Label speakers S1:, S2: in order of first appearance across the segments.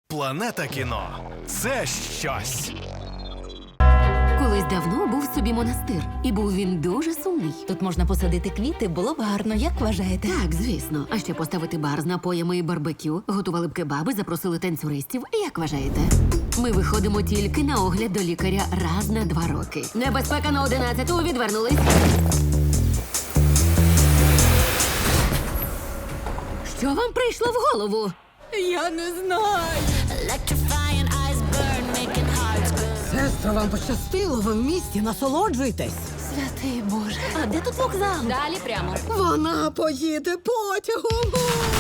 S1: Планета кіно – це щось.
S2: Колись давно був собі монастир, і був він дуже сумний.
S3: Тут можна посадити квіти, було б гарно, як вважаєте?
S2: Так, звісно. А ще поставити бар з напоями і барбекю, готували б кебаби, запросили танцюристів. Як вважаєте? Ми виходимо тільки на огляд до лікаря раз на 2 роки. Небезпека на 11-ту, відвернулись. Що вам прийшло в голову?
S3: Я не знаю.
S4: Сестра, вам пощастило, ви в місті, насолоджуйтесь.
S3: Святий Боже. А де тут вокзал?
S2: Далі прямо.
S4: Вона поїде потягом.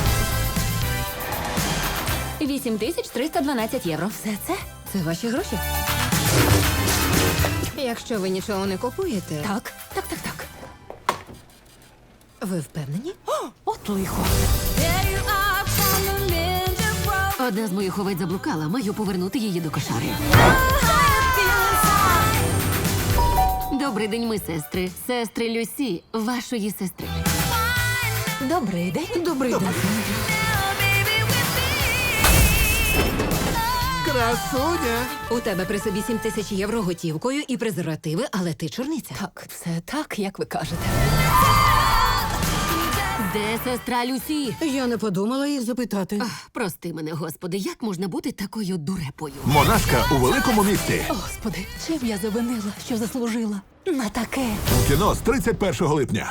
S2: 8312 євро.
S3: Все це?
S4: Це ваші гроші? Якщо ви нічого не купуєте,
S3: Так.
S4: ви впевнені?
S3: От лихо.
S2: Одна з моїх овець заблукала, маю повернути її до кошари. Добрий день, ми сестри. Сестри Люсі, вашої сестри.
S3: Добрий день.
S4: Добрий день.
S1: Красуня!
S4: У тебе при собі 7 тисяч євро готівкою і презервативи, але ти чорниця.
S3: Так, все так, як ви кажете.
S2: Де сестра Люсі?
S4: Я не подумала їх запитати.
S2: Прости мене, господи, як можна бути такою дурепою?
S1: Монашка у великому місті.
S3: Господи, чим я завинила, що заслужила на таке?
S1: У кіно з 31 липня.